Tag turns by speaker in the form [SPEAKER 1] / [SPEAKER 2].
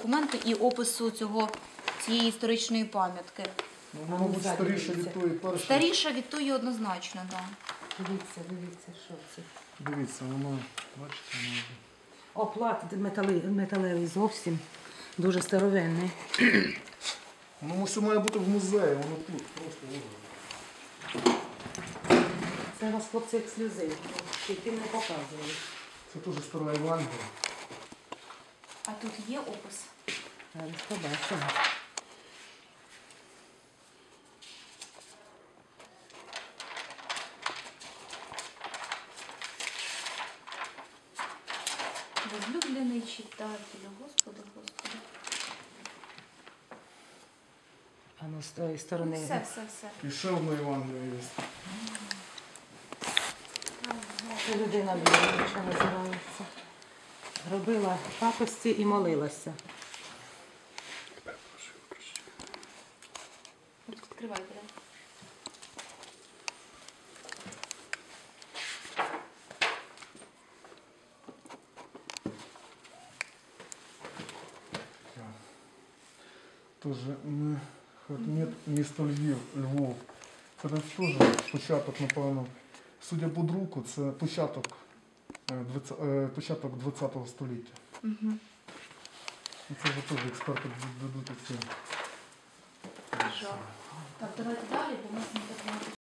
[SPEAKER 1] документу і опису цієї історичної пам'ятки.
[SPEAKER 2] Ну, воно, мабуть, старіше від тої першої.
[SPEAKER 1] Старіша від тої однозначно, так. Да.
[SPEAKER 3] Дивіться, що це.
[SPEAKER 2] Дивіться, воно, бачите, воно.
[SPEAKER 3] Оплат металевий зовсім. Дуже старовинний.
[SPEAKER 2] Воно все має бути в музеї, воно тут, просто ложить.
[SPEAKER 3] Це у вас, хлопці, ексклюзив. Ще тим не показували.
[SPEAKER 2] Це теж стара Євангелія.
[SPEAKER 1] А тут є опис?
[SPEAKER 3] Зараз побачимо.
[SPEAKER 1] Возлюблений читателю, Господи, Господи.
[SPEAKER 3] А ну з тої сторони.
[SPEAKER 1] Все.
[SPEAKER 2] І ще одна Євангелія є.
[SPEAKER 3] Це людина віруюча називається. Робила пакості і молилася.
[SPEAKER 1] Відкривайте, так?
[SPEAKER 2] Тоже місто Львов. Це теж початок, напевно, судя по друку, це початок ХХ століття.
[SPEAKER 1] Угу.
[SPEAKER 2] І це вже теж експерти дадуть оцінку.
[SPEAKER 1] Так, давайте далі, бо у нас не так багато.